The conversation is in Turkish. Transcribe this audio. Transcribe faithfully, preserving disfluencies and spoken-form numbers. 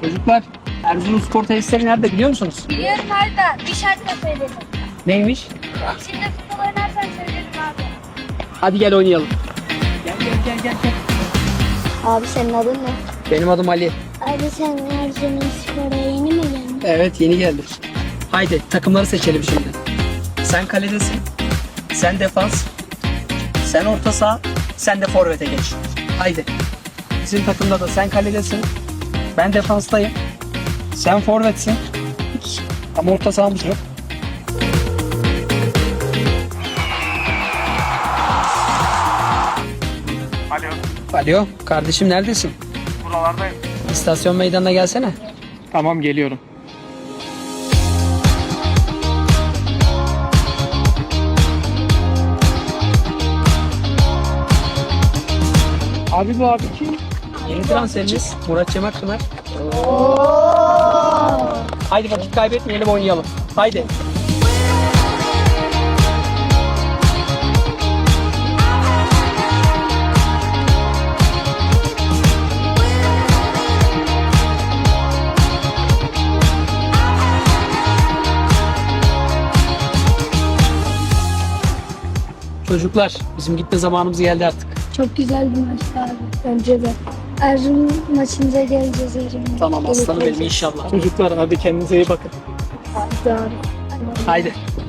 Çocuklar, Erzurumspor tesisleri nerede biliyor musunuz? Biliyorum Arda. Bir şartla söyledim. Neymiş? Şimdi futbol oynarsan söylerim abi. Hadi gel oynayalım. Gel gel gel gel. gel. Abi senin adın ne? Benim adım Ali. Abi sen Erzurumspor'a yeni mi geldin? Evet, yeni geldim. Haydi takımları seçelim şimdi. Sen kaledesin. Sen defans. Sen orta saha. Sen de forvete geç. Haydi. Bizim takımda da sen kaledesin. Ben defanstayım. Sen forvetsin. Ama orta sahamız yok. Alo, Alo, kardeşim neredesin? buralardayım. İstasyon meydanına gelsene. Tamam, geliyorum. Abi bu abi kim? Yeni transferimiz Murat Cemakpınar. Haydi vakit kaybetmeyelim, oynayalım. Haydi. Çocuklar, bizim gitme zamanımız geldi artık. Çok güzel bir maçtı abi. Bence de. Erzurum maçımıza geleceğiz Erzurum. Tamam aslanım benim inşallah. Çocuklar hadi kendinize iyi bakın. Hadi abi. Haydi.